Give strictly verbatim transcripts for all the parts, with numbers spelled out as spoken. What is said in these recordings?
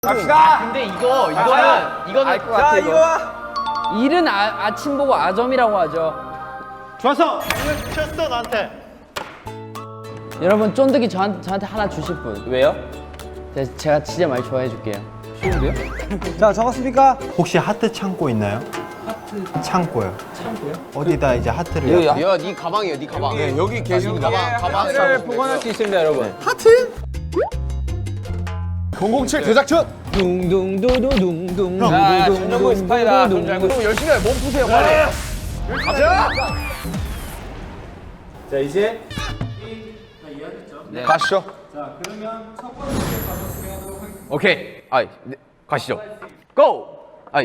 갑시다. 근데 이거 이거는 이거는 자 이거 와. 일은 아, 아침 보고 아점이라고 하죠. 좋았어. 쳤어 나한테. 여러분 쫀득이 저한테, 저한테 하나 주실 분. 왜요? 제- 제가 진짜 많이 좋아해 줄게요. 자 적었습니까? 혹시 하트 창고 있나요? 하트 창고요. 창고요? 어디다 이제 하트를? 여기 야, 네 가방이에요, 네 가방. 네, 여기 계신 가방, 가방. 하트를 보관할 수 있습니다, 여러분. 공공칠 제작전. 둥둥두두둥둥. 아, 전정구 스파이다. 그럼 열심히 해. 몸 푸세요, 빨리. 가자. 자 이제 네. 가시죠. 오케이. 아이, 네, 가시죠. 고! 아이.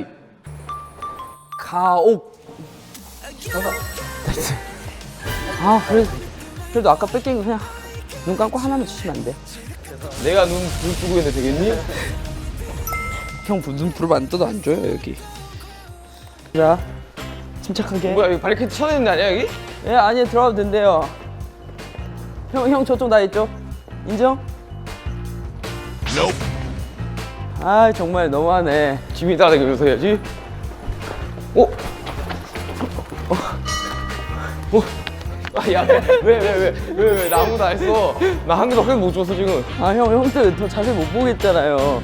가옥. 아 그래 그래도 아까 뺏긴 거 그냥 눈 감고 하나만 주시면 안 돼? 내가 눈, 눈 뜨고 있는데 되겠니? 형 눈 부르면 안 떠도 안 줘요 여기. 자 침착하게. 뭐야, 여기 바리케이트 쳐내는 데 아니야, 여기? 예 아니 들어가도 된대요. 형 형 저쪽 나 있죠? 인정? 아 정말 너무하네. 지민이 따라다니면서 해야지. 오! 어? 어? 아, 야, 왜, 왜, 왜, 왜, 왜, 나 아무도 안 했어. 나 한 개도 확못 줬어, 지금. 아 형 형들 더 자세히 못 보겠잖아요.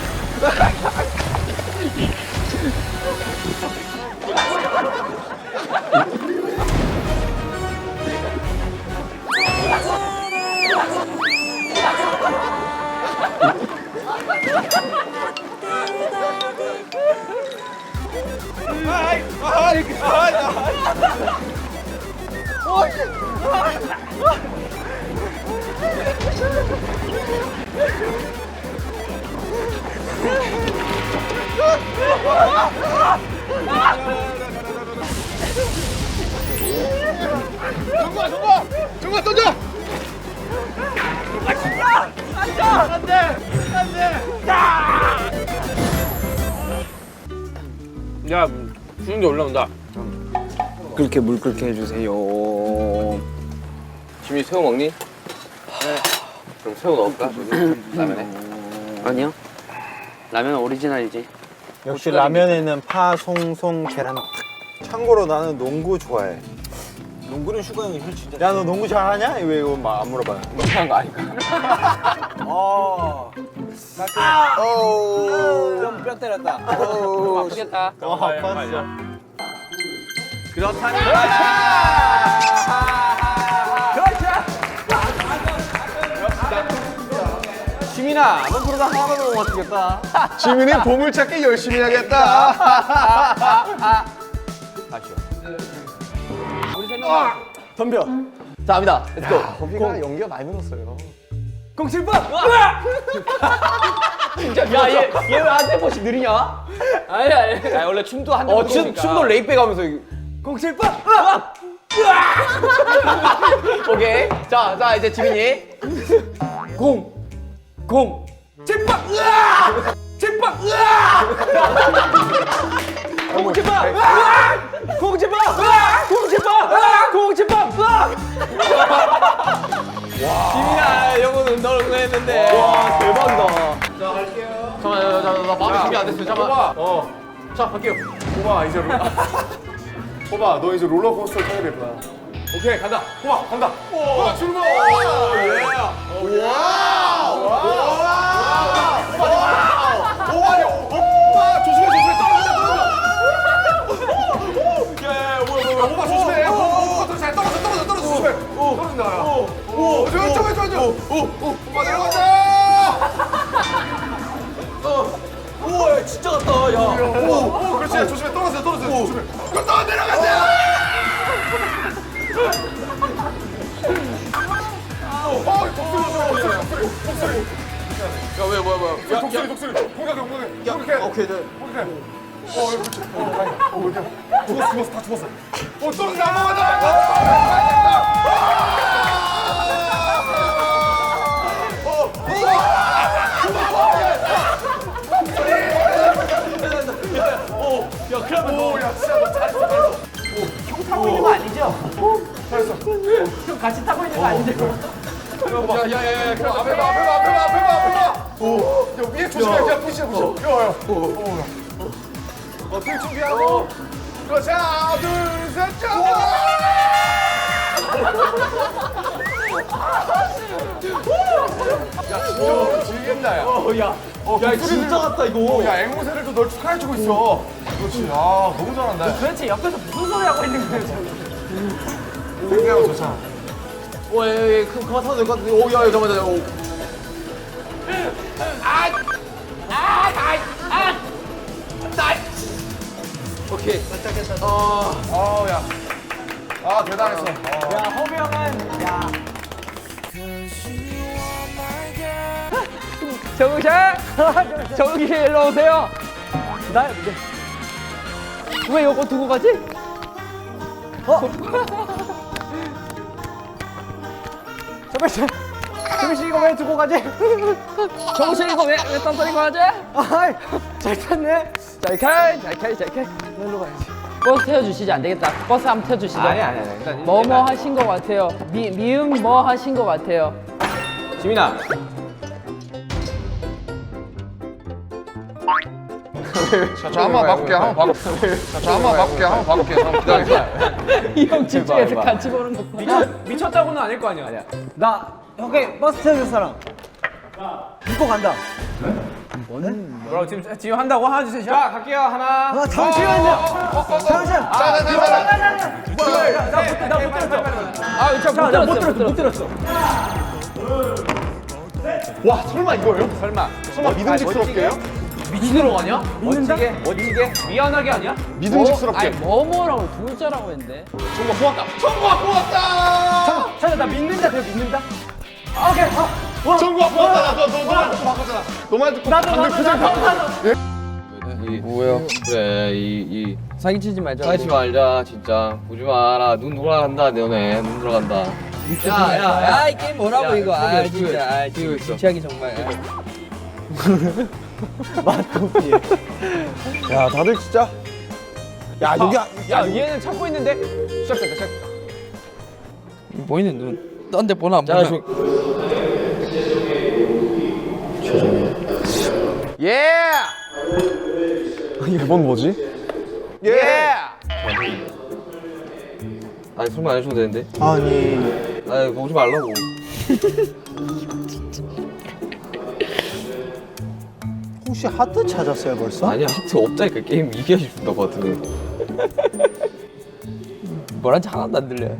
정국아, 정국아, 정국아 던져. 야, 수영기 올라온다. 그렇게 물 끓게 해주세요. 지민이 새우 먹니? 네. 그럼 새우 넣을까, 저기? 라면에? 아니요. 라면 오리지널이지. 역시 라면에는 파, 송, 송, 계란. 탁. 참고로 나는 농구 좋아해. 농구는 슈가 형이 펼치자 야 너 농구 잘하냐? 왜 이거 막 안 물어봐요? 못하는 거 아니까? 어. 뼈, 뼈 때렸다. 아프겠다. 어 아팠어. 그렇다면. 지민아, 너 그러다 하나도 못 맞추겠다. 지민이 보물찾기 열심히 하겠다. 다시요. 덤벼. 자, 갑니다. 렛츠고. 거기가 연기가 많이 늘었어요. 공칠번! 진짜 야, 얘, 얘 왜 한 템포씩 느리냐? 아니 아니. 야, 원래 춤도 한 템포 어, 춤, 춤도 레이백 하면서 공칠번! 오케이. 자, 자, 이제 지민이. 공! 공! 칠번! 칠번! 공칠번! 공칠번! 공칠번! 공칠번! 지민아, 영어는 널 응원했는데. 와, 대박이다. 자, 갈게요. 잠깐만, 잠깐만, 나 마음이 준비 안 됐어. 잠깐만. 어. 자, 갈게요. 호바 이제 롤. 호바 너 이제 롤러코스터 타야 될 거야. 오케이, 간다. 호바 간다. 호바 출발. 예. 와우. 호바야. 호바 조심해 조심해 떨어진다 떨어진다. 야, 뭐야 뭐야 호바 조심해. 호바 잘 떨어져 떨어져 떨어져 조심해. 떨어진다. 오, 좋아 좋아 좋아 좋아. 오, 오, 호바 내려간다. 우와, 진짜 같다, 야. 오, 오, 그렇지. 조심해 떨어져 떨어져 조심해. 또 내려간다. 야, 왜, 뭐야, 뭐야. 야, 독수리 독수리 공격해 공격해 공격해 오케이 네 공격해 어 그렇지 어 다행이다 어 어디야 죽었어 죽었어 다 죽었어 어 떨어져 넘어가자 야, 그러면 너. 오야 진짜 너 잘했어 잘했어 형 타고 있는 거 아니죠? 잘했어 형 같이 타고 있는 거 아니죠? 야야야야 앞에 봐 앞에 봐 앞에 봐 앞에 봐 앞에 봐 오 야 위에 조심해, 그냥 푸시해, 푸시. 야, 야. 어, 들 준비하고. 그렇지, 하나, 둘, 셋, 자! 야, 진짜 즐긴다, 야. 어, 야. 어, 야, 진짜 같다, 이거. 야, 앵무새들도 널 축하해주고 있어. 그렇지, 아, 너무 잘한다. 도대체 옆에서 무슨 소리 하고 있는 거예요 지금? 생각하고 좋잖아. 오, 예, 예, 그, 그만 타도 될 것 같은데. 오, 야, 야, 잠깐만, 잠깐만. 오. 오케이. 어, 어, 야. 아, 대단했어. 어. 정우씨! 정우씨 일로 오세요. 나 왜 이거 두고 가지? 어? 정우씨, 정우씨 이거 왜 두고 가지? 정우씨 이거 왜, 왜 딴소리고 하지? 아이, 잘 탔네. 잘 가, 잘 가, 잘 가. 일로 가야지. 버스 태워주시지 안 되겠다. 버스 한번 태워주시죠. 아니, 아니, 아니. 일단 뭐 뭐 하신 것 같아요. 미, 미음 뭐 하신 것 같아요. 지민아. 자, 저 한번 바꿀게, 한번 바꿀게. 자, 저 한번 바꿀게, 한번 바꿀게. 한번 기다려. 이 형 집중해서 같이 보는 거. 미쳤, 미쳤다고는 아닐 거 아니야. 아니야. 나 형이 버스 태워줄 사람. 믿고 간다. 뭐라고 지금 지금 한다고 하나 주세요. 자, 갈게요. 하나. 아 잠시만요. 잠시만. 자, 자, 자, 자. 나못 들었어. 아, 저 못 들었어, 못 들었어. 와, 설마 이거예요? 설마. 설마 믿음직스럽게요? 미치도록 아니야? 멋지게, 멋지게, 미안하게 아니야? 믿음직스럽게. 아니, 뭐뭐라고 두 글자라고 했는데. 정말 고맙다. 정말 고맙다. 잠깐 나 믿는다. 내가 믿는다. 정국아, 고맙다. 나 너, 너, 너만 듣고 바꿨잖아. 너만 듣고 반대 표정 바꿨어. 뭐야? 그래, 이, 이. 사기치지 말자. 하지 말자, 진짜. 보지 마라. 눈 돌아간다, 너네. 눈 돌아간다. 야, 야, 야, 이 게임 뭐라고 야, 이거. 아, 그게, 진짜. 아, 그게 있어. 취하기 정말. 야 다들 진짜. 야 여기 야 얘는 참고 있는데. 시작됐다, 시작. 보이는 눈. 딴데 보나 안 자, 보나. 저. 예! 이건 뭐지? 예! 아니, 설마 안 해줘도 되는데? 아니 아니, 오지 말라고. 혹시 하트 찾았어요 벌써? 아니야, 하트 없다니까. 게임 이겨야 준다고, 하트는. 뭐란지 하나도 안 들려.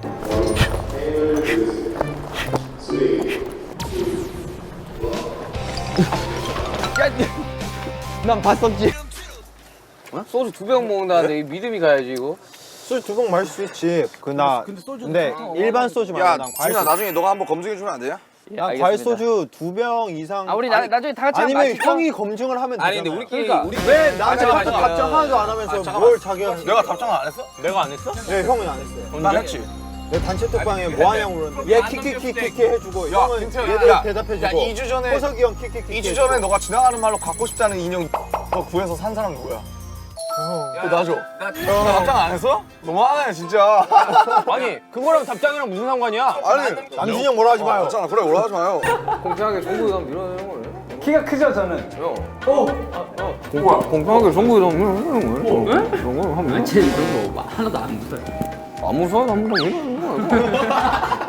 난 봤었지. 소주 두 병 먹는다는데 이 믿음이 가야지, 이거. 소주 두 병 마실 수 있지. 그나 근데, 일반 소주 말고 야, 난 과일 지민아 소주. 나중에 너가 한번 검증해 주면 안 되냐? 난 과일 소주 두 병 이상. 아, 우리 나, 나중에 다 같이 한번 아니면 마실까? 형이 검증을 하면 되잖아. 아니, 근데 우리끼리. 그러니까. 우리 왜 나한테 잠깐만, 답- 잠깐만. 답장 하나도 안 하면서 뭘 자기가? 내가 답장을 안 했어? 내가 안 했어? 네 형은 안 했어요. 난 했지. 내 단체 톡방에 뭐 하냐고 그러는데 얘 키키키키키 해주고 야, 형은 김태형, 얘들 야, 대답해주고 야, 이 주 전에- 호석이 형 키키키키 이 주 전에 너가 지나가는 말로 갖고 싶다는 인형 너 구해서 산 사람 누구야? 그거 놔줘. 나 답장 안 했어? 너무하네 진짜. 아니, 그거랑 답장이랑 무슨 상관이야? 아니 남준이 형 뭐라 하지 마요. 괜찮아 그래 뭐라 하지 마요. 공평하게 정국이 가면 밀어내는 거네. 키가 크죠 저는. 공평하게 정국이 가면 밀어내는 거예요. 왜? 그런 거 하면. 쟤 이런 거 하나도 안 무서워. 안 무서워? 안 무서워? 밀어내는 거야.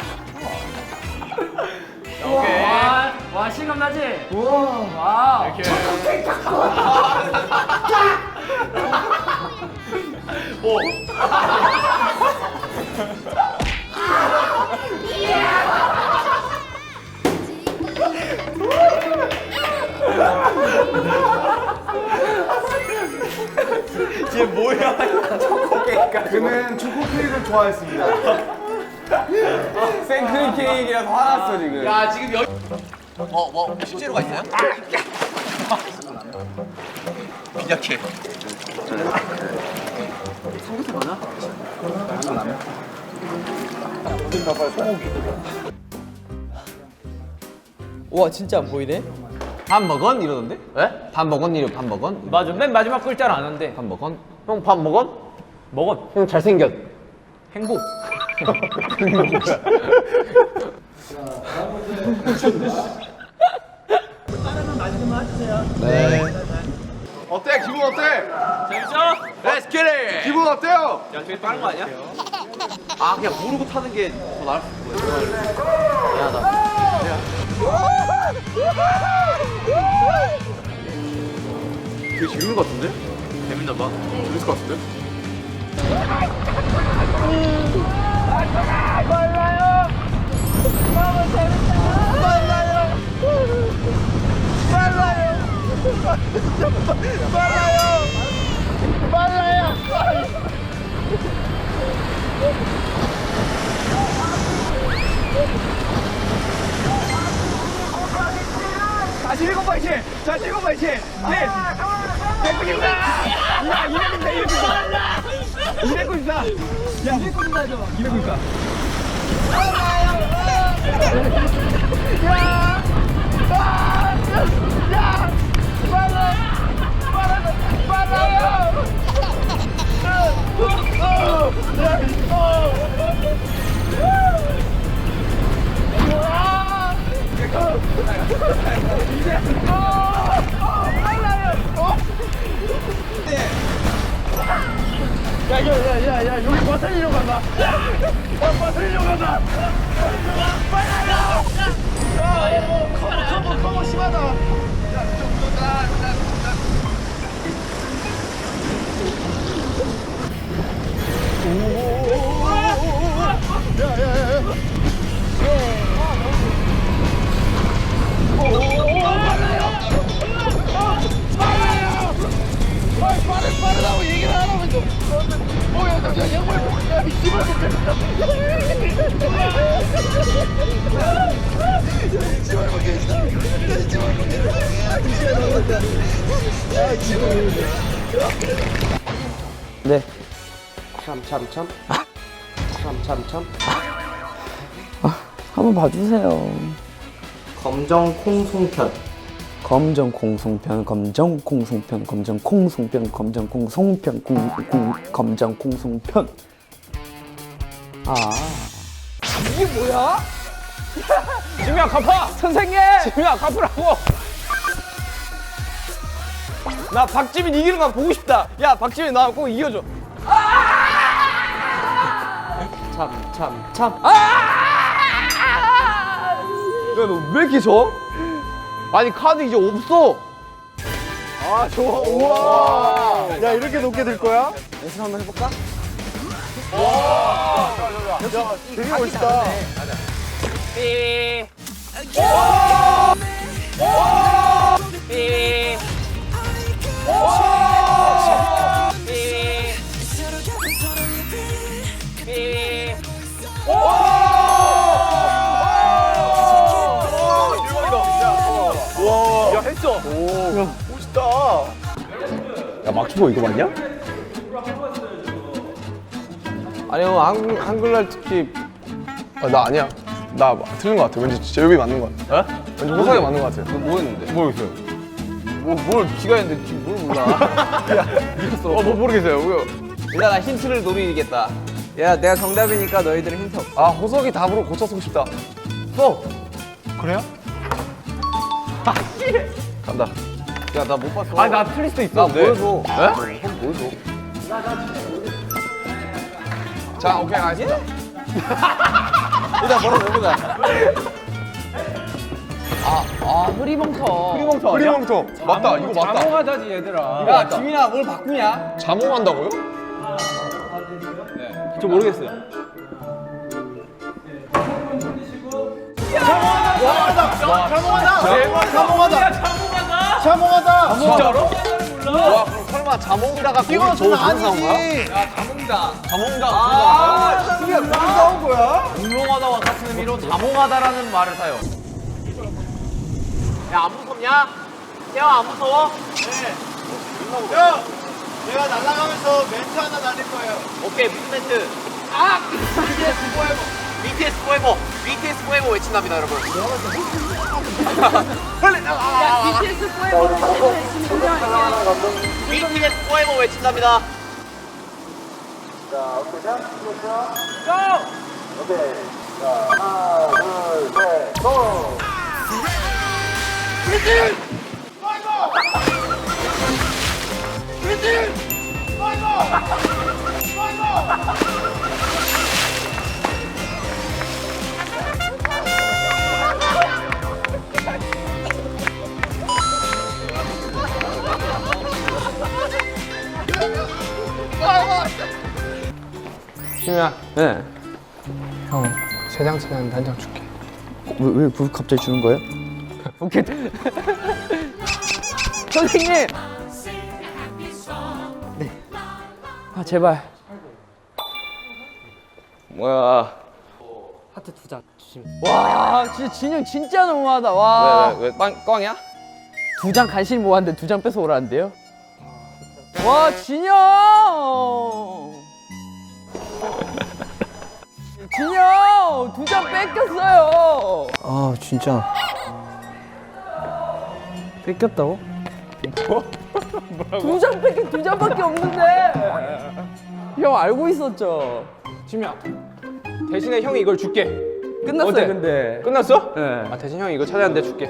와, 와 실감 나지? 우와. 와. 이렇게. 그는 초코 케이크를 좋아했습니다. 생크림 케이크라서 화났어, 지금. 야 지금 여기. 어, 뭐, 실제로가 있어요? 비자케. 와, 진짜 안 보이네? 밥 먹었? 이러던데? 왜? 밥 먹었? 이러 밥 먹었? 맞아. 맨 마지막 글자를 아는데. 밥 먹었? 형 밥 먹었? 먹었. 형 잘생겼. 행복. 어때? 기분 어때? 재밌죠? Let's get it! 기분 어때요? 야, 저게 빠른 거 아니야? 아, 그냥 모르고 타는 게 더 나을 수도 있어. 되게 재밌는 것 같은데? 재밌나 봐. 재밌을 것 같은데? 다시 일곱 번 이제. 자, 일곱 번 이제. 네. 백구십사. 야, 이백구십사, 이백구십사. 이백구십사. 야, 이백구십사 하죠. 이백구십사. 야! 아! 야! 빨라! 빨라! 빨라요! 야야야야 여기 버튼이로 간다. 버튼이로 간다. 빨라요. 커버 커버 커버 심하다. 빠르다고 얘기를 하라면서. 어, 야, 야, 야, 양말, 야, 이 씨발 새끼. 이 씨발 먹겠다. 이 씨발 먹겠다. 이 씨발 먹겠다. 야, 이 씨발 먹겠다. 네. 참, 참, 참. 참, 참, 참. 아, 한번 봐주세요. 검정 콩송편. 검정 콩송편, 검정 콩송편, 검정 콩송편, 검정 콩송편, 콩, 콩, 검정 콩송편. 아, 이게 뭐야? 지민아, 갚아! 선생님! 지민아, 갚으라고! 나 박지민 이기는 거 보고 싶다. 야, 박지민 나 꼭 이겨줘. 참, 참, 참. 야, 너 왜 이렇게 져? 아니, 카드 이제 없어. 아 좋아. 우와. 야 이렇게 높게 들 거야? 연습 한번 해볼까? 야 되게 멋있다. 삐. 삐. 야 했어. 오 멋있다. 야 막주보 이거 맞냐? 아니, 형, 한, 한글날 특히. 아, 나 아니야. 나 틀린 것 같아. 왠지 제육이 맞는 것 같아. 어? 왠지 호상이 맞는 것 같아. 너 뭐 했는데? 모르겠어요. 뭐, 뭘 기가 했는데 지금 뭘 몰라. 어, 뭐 모르겠어요. 왜요? 일단 나 힌트를 노리겠다. 야, 내가 정답이니까 너희들은 힌트 없어. 아 호석이 답으로 고쳐쓰고 싶다. 써. 그래요? 아 씨. 간다. 야, 나 못 봤어. 아니 나 틀릴 수도 있어. 나 보여줘. 네? 형 보여줘. 자 오케이 알겠습니다. 일단 걸어 내보자. 아, 아, 흐리멍텅. 흐리멍텅. 프리멍토 맞다. 이거 맞다. 자몽하자지, 얘들아. 야, 지민아, 뭘 바꾸냐? 자몽한다고요? 저 모르겠어요. 자몽하다. 진짜로? 와 그럼 설마 자몽이다가 이거 저 아니지. 야, 자몽이다. 자몽이다. 아, 이게 뭐 나온 거야? 공룡하다와 같은 의미로 자몽하다라는 말을 사요. 야, 안 무섭냐? 태아, 안 무서워? 야, 내가 날아가면서 멘트 하나 날릴 거예요. 오케이, 무슨 멘트? 아! 비티에스 포에버! 비티에스 포에버! 비티에스 포에버 외친답니다, 여러분. 야, 비티에스 포에버! 비티에스 포에버 외친답니다. 자, 오케이, 자, 고! 오케이. 자, 하나, 둘, 셋, 고! 비티에스! 지민아. 네. 형 세 장 차는 단장 줄게. 왜, 왜 갑자기 주는 거예요? 오케이. 선생님. 네. 아 제발. 뭐야? 하트 두 장 주시면. 와 진짜 진영 진짜 너무하다. 와. 왜, 왜, 왜, 빵, 꽝이야? 두 장 간신히 모았는데 두 장 뺏어 오라는데요? 와 진영! 진영! 두 장 뺏겼어요! 아 진짜 뺏겼다고? 두 장 뺏긴 두 장밖에 없는데! 형 알고 있었죠? 지민아. 대신에 형이 이걸 줄게. 끝났어요 어때? 근데. 끝났어? 네. 아 대신 형이 이거 찾아야 하는데 줄게.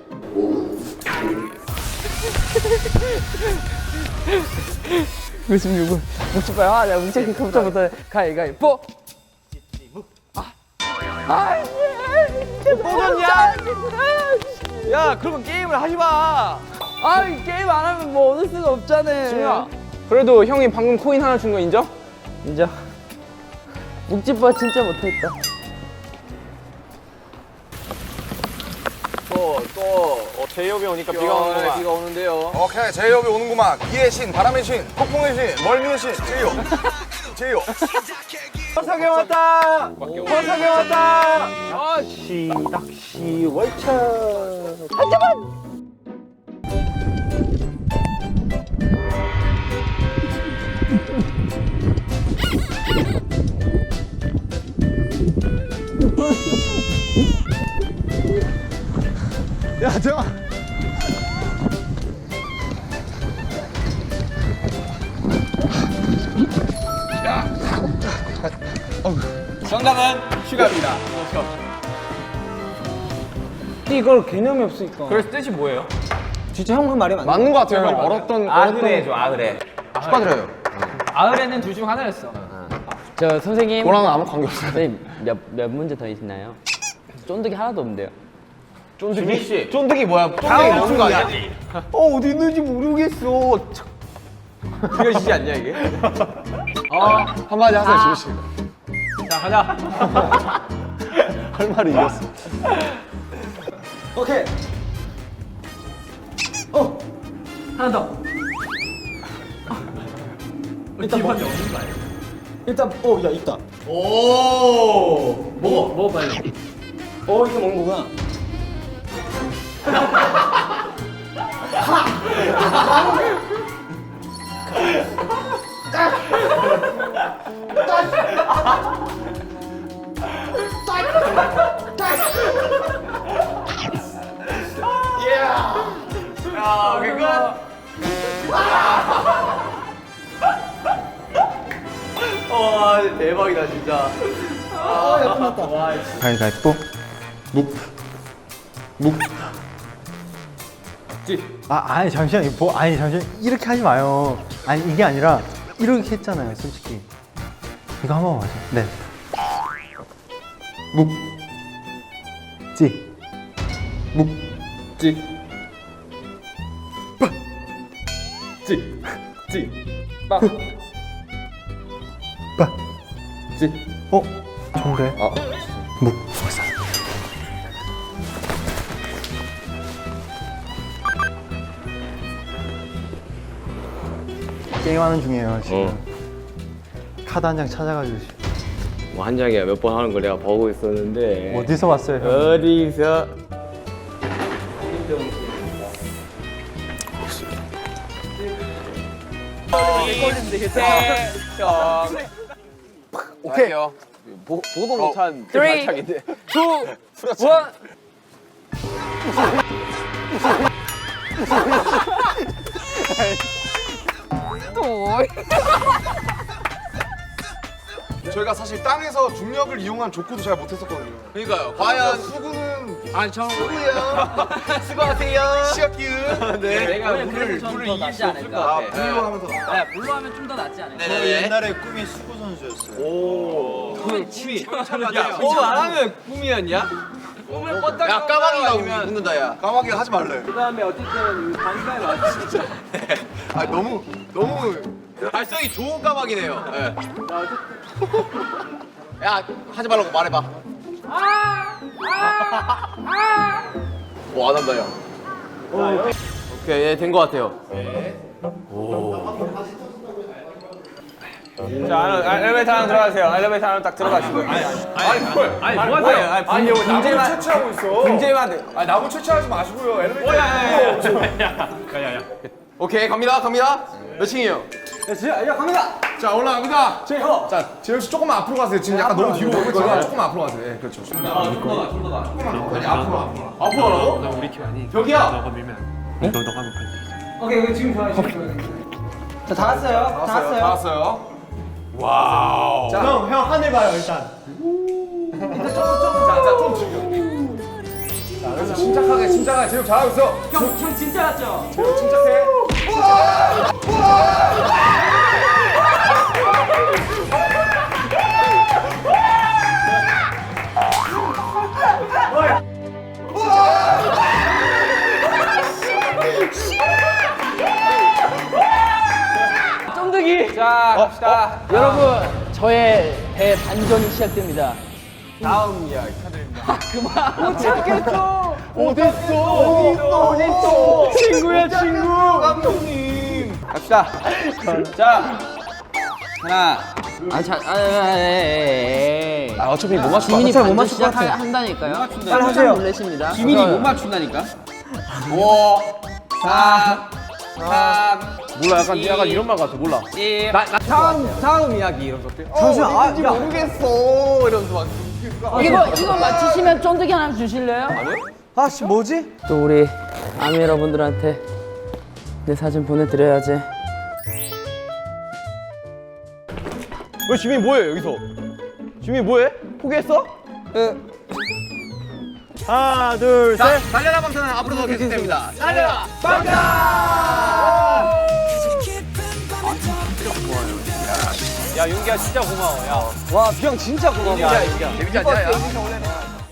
구십육 분 묵지 봐요. 아, 내가 묵지 컴퓨터 못하네. 가위가위뽀. 아, 아, 뽀졌냐? 야 그러면 게임을 하지 마. 아, 이 게임 안 하면 뭐 얻을 수가 없잖아. 지민아. 그래도 형이 방금 코인 하나 준 거 인정? 인정. 묵지빠 진짜 못했다. 또또 어, 제이홉이 오니까 비가 오는구만. 비가 오는데요. 오케이 제이홉이 오는구만. 비의 신, 바람의 신, 폭풍의 신, 멀미의 신, 제이홉. 제이홉. 허석이 왔다. 허석이 왔다. 아, 시 낚시 월차. 야 잠깐. 정답은 슈가입니다. 이걸 개념이 없으니까. 그래서 뜻이 뭐예요? 진짜 형 그 말이 맞네. 맞는 것 같아요. 형 얼었던 아그레 해줘 아그레. 축하드려요. 아그레는 둘 중 하나였어. 저 선생님. 너랑은 아무 관계 없어요. 선생님 몇, 몇 문제 더 있나요? 쫀득이 하나도 없는데요. 쫀득이 씨. 쫀득이 뭐야? 쫀득이 먹는 거 아니야? 어 어디 있는지 모르겠어. 느껴지지 않냐 이게? 어 한마디 하세요 지민 씨. 자 가자. 할 말이 이겼어. 오케이. 어 하나 더. 일단 뭐, 없는 거 아니야? 일단 어야 있다. 먹어 먹어 빨리. 어 이거 먹는 거구나. 야 그거. 와 대박이다 진짜. 아야 끝났다. 가위가위뽀. 묵. 묵. 아 아니 잠시만 뭐 아니 잠시만 이렇게 하지 마요. 아니 이게 아니라 이렇게 했잖아요 솔직히. 이거 한 번만 마셔. 네. 묵. 찌. 묵. 찌. 빠. 찌. 찌. 빠. 빠. 찌. 어? 좋은데? 어. 묵. 좋았어. 게임하는 중이에요 지금. 어. 카드 한 장 찾아가지고 뭐 한 장이야 몇 번 하는 걸 내가 보고 있었는데. 어디서 왔어요 형? 어디서? 오케이. 보, 보도 못한 그 Three. 발차기인데. 투, 원. 또. 저희가 사실 땅에서 중력을 이용한 족구도 잘 못했었거든요. 그러니까요. 과연 수구는 아니 저 수고하세요. 시작기은. 네. 내가 물을 물을 이길 수 없을 것 아, 같아. 물로 하면서. 네, 물로 하면 좀 더 낫지 않을까? 저 옛날에 꿈이 수구 선수였어요. 꿈이 야, 뭐 안 하면 꿈이었냐? 꿈을 꿨다. 야, 까마귀가 웃는다 야. 까마귀 하지 말래. 그다음에 어쨌든 단가에 맞 진짜. 아 너무 너무. 발성이 좋은 까마귀네요. 예. 야, 하지 말라고 말해봐. 뭐 안 한다 야. 오케이, 예, 된 것 같아요. 자, 엘리베이터 안으로 들어가세요. 엘리베이터 안으로 딱 들어가시고. 아니, 아니, 뭘? 아니 뭐 하세요? 아니, 아니 여기 나무 문제만 채취하고 있어. 문제만 돼. 아 나무 채취하지 마시고요. 엘리베이터. 오케이, 갑니다, 갑니다. 몇 층이에요? 야 갑니다. 자 올라갑니다. 제호. 자 재현 씨 조금만 앞으로 가세요. 지금 약간 너무 뒤로 오고 있거든요. 조금만 앞으로 가세요. 네, 그렇죠. 아니 앞으로 앞으로. 앞으로 하라고? 나 우리 팀 아니. 여기야. 오케이 오케이 지금 좋아요. 지금 좋아요. 자다 왔어요. 다 왔어요. 다 왔어요. 형, 형 하늘 봐요 일단. 자자좀 즐겨. 자 그래서 침착하게 침착하게 재현 잘하고 있어. 형, 형 진짜 같죠? 재현 침착해. 쫀득이. 자, 갑시다. 여러분, 저의 대반전이 시작됩니다. 다음 이야기 축하드립니다. 그만. 못 찾겠어. 어딨어? 어딨어? 친구야 친구. 갑시다. 자, 하나. 아, 자, 아, 아, 에이. 아, 어차피 못 맞출 지민이 어차피 못 반전 맞출 것 같아. 시작한다니까요. 빨리 하세요. 놀라십니다. 지민이 못 맞춘다니까. 오, 사, 삼. 몰라, 약간 약간 이런 말 같아. 몰라. 일. 다음 다음 이야기 이런 것들. 잠시만. 아, 야. 모르겠어. 이러면서 막. 이거 이거 맞히시면 쫀득이 하나 주실래요? 아씨 뭐지? 또 우리 아미 여러분들한테 내 사진 보내드려야지. 왜 지민이 뭐해 여기서? 지민이 뭐해? 포기했어? 하나, 둘, 셋. 자, 달려라 방탄은 앞으로도 계속됩니다. 달려라 방탄! 야, 윤기야 진짜 고마워. 야. 와, 비형 진짜 고마워. 재밌지 않냐? 야.